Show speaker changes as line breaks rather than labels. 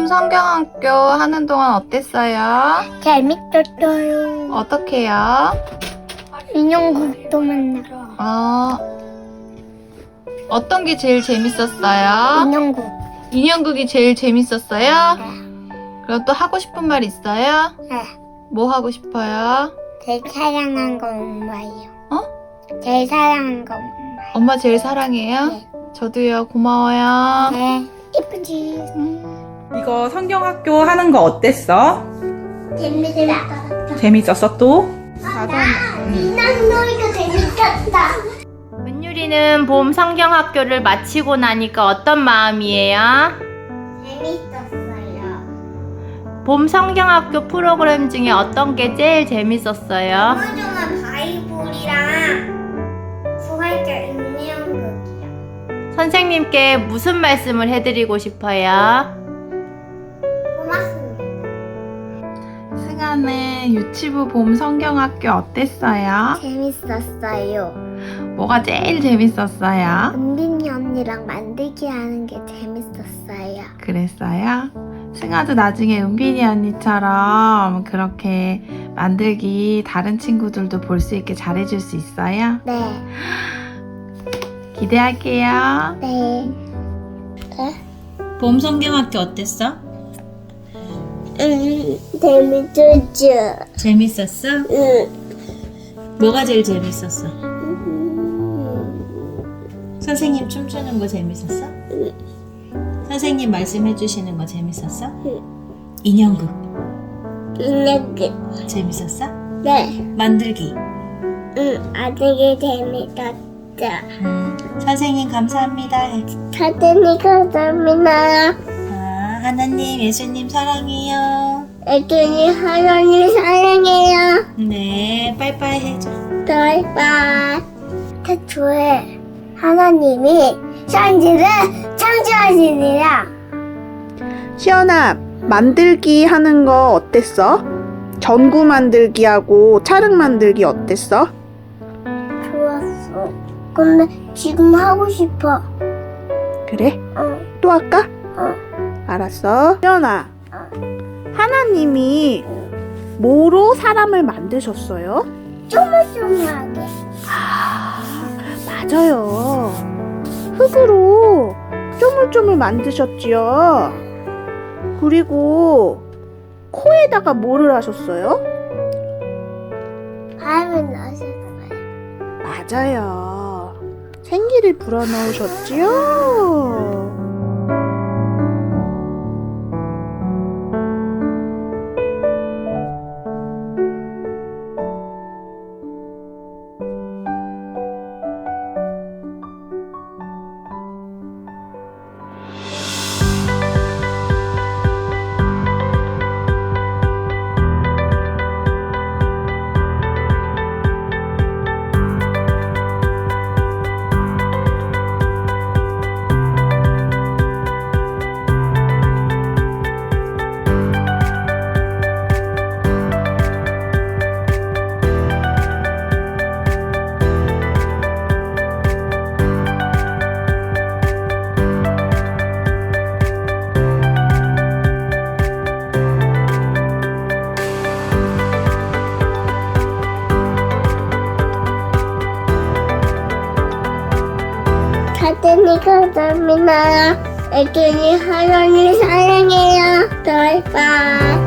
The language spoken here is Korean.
봄 성경학교 하는 동안 어땠어요?
재밌었어요.
어떻게요?
인형극도 만나고.
어떤 게 제일 재밌었어요?
인형극.
인형극이 제일 재밌었어요?
네.
그럼 또 하고 싶은 말 있어요?
네.
뭐 하고 싶어요?
제일 사랑한 거 엄마예요.
어?
제일 사랑한 거 엄마.
엄마 제일 사랑해요?
네.
저도요. 고마워요.
네. 이쁘지?
이거 성경학교 하는 거 어땠어?
재밌었다.
재밌었어 또?
인형놀이가 재밌었다.
은유리는 봄 성경학교를 마치고 나니까 어떤 마음이에요?
재밌었어요.
봄 성경학교 프로그램 중에 어떤 게 제일 재밌었어요?
소중한 바이블이랑 부활절 인형극이요.
선생님께 무슨 말씀을 해드리고 싶어요?
고맙습니다.
승아는 유치부 봄 성경학교 어땠어요?
재밌었어요.
뭐가 제일 재밌었어요?
은빈이 언니랑 만들기 하는 게 재밌었어요.
그랬어요? 승아도 나중에 은빈이 언니처럼 그렇게 만들기 다른 친구들도 볼 수 있게 잘해줄 수 있어요?
네.
기대할게요.
네.
봄 성경학교 어땠어?
재밌었죠.
재밌었어? 뭐가 제일 재밌었어? 선생님 춤추는 거 재밌었어? 선생님 말씀해 주시는 거 재밌었어? 인형극
인형극.
재밌었어?
네.
만들기
아들이 재밌었죠.
선생님 감사합니다.
사진이 감사합니다.
하나님 예수님 사랑해요.
애들이 하나님 사랑해요.
네 빠이빠이 해줘.
바이바이. 태초에 하나님이 천지를 창조하시니라.
시연아, 만들기 하는 거 어땠어? 전구 만들기하고 찰흙 만들기 어땠어?
좋았어. 근데 지금 하고 싶어.
그래?
어.
또 할까?
어.
알았어. 시연아, 하나님이 뭐로 사람을 만드셨어요?
쪼물쪼물하게.
맞아요. 흙으로 쪼물쪼물 만드셨지요. 그리고 코에다가 뭐를 하셨어요?
바람을 넣으셨어요.
맞아요. 생기를 불어넣으셨지요.
사진이 감사합니다. 애들이 하나님 사랑해요. 바이바이.